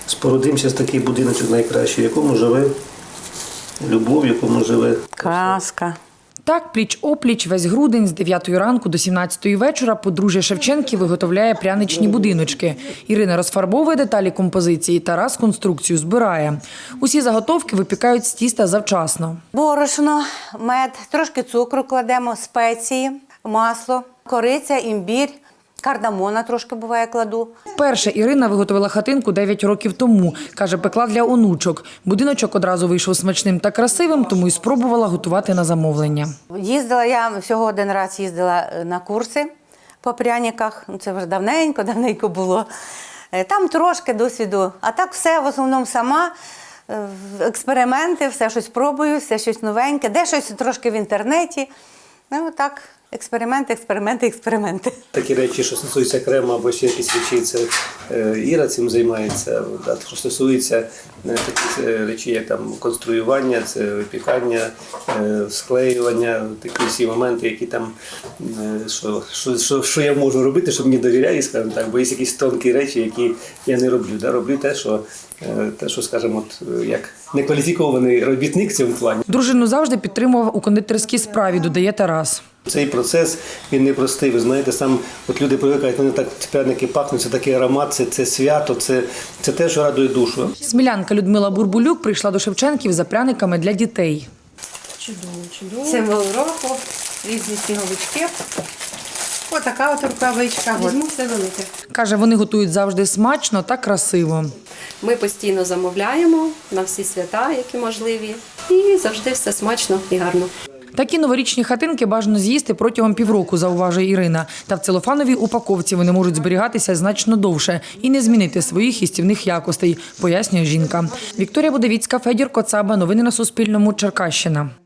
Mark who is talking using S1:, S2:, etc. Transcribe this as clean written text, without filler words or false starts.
S1: спорудимо зараз такий будиночок найкращий, в якому живе любов, в якому живе
S2: Казка.
S3: Так, пліч-опліч весь грудень з 9 ранку до 17 вечора подружжя Шевченків виготовляє пряничні будиночки. Ірина розфарбовує деталі композиції, Тарас конструкцію збирає. Усі заготовки випікають з тіста завчасно.
S2: Борошно, мед, трошки цукру кладемо, спеції, масло, кориця, імбір, кардамона трошки буває кладу.
S3: Вперше Ірина виготовила хатинку 9 років тому. Каже, пекла для онучок. Будиночок одразу вийшов смачним та красивим, тому й спробувала готувати на замовлення.
S2: Їздила, я всього один раз їздила на курси по пряниках. Це вже давненько було. Там трошки досвіду, а так все в основному сама. Експерименти, все щось пробую, все щось новеньке, де щось трошки в інтернеті. Ну так, експерименти.
S1: такі речі, що стосуються крему або ще якісь речі, це Іра цим займається. Що стосується таких речей, як там конструювання, це випікання, склеювання, такі всі моменти, які там, що я можу робити, щоб мені довіряють, скажімо так, бо є якісь тонкі речі, які я не роблю. Роблю те, що, скажімо, як некваліфікований робітник в цьому плані.
S3: Дружину завжди підтримував у кондитерській справі, додає Тарас.
S1: Цей процес, він непростий. Ви знаєте, сам от люди привикають, вони так пряники пахнуть, це такий аромат, це свято, це те, що радує душу.
S3: Смілянка Людмила Бурбулюк прийшла до Шевченків за пряниками для дітей.
S4: Чудово.
S2: Символ року, різні сніговички. Отака от рукавичка.
S4: Візьму все велике.
S3: Каже, вони готують завжди смачно та красиво.
S4: Ми постійно замовляємо на всі свята, які можливі. І завжди все смачно і гарно.
S3: Такі новорічні хатинки бажано з'їсти протягом півроку, зауважує Ірина. Та в целофановій упаковці вони можуть зберігатися значно довше і не змінити своїх їстівних якостей, пояснює жінка. Вікторія Будовіцька, Федір Коцаба. Новини на Суспільному. Черкащина.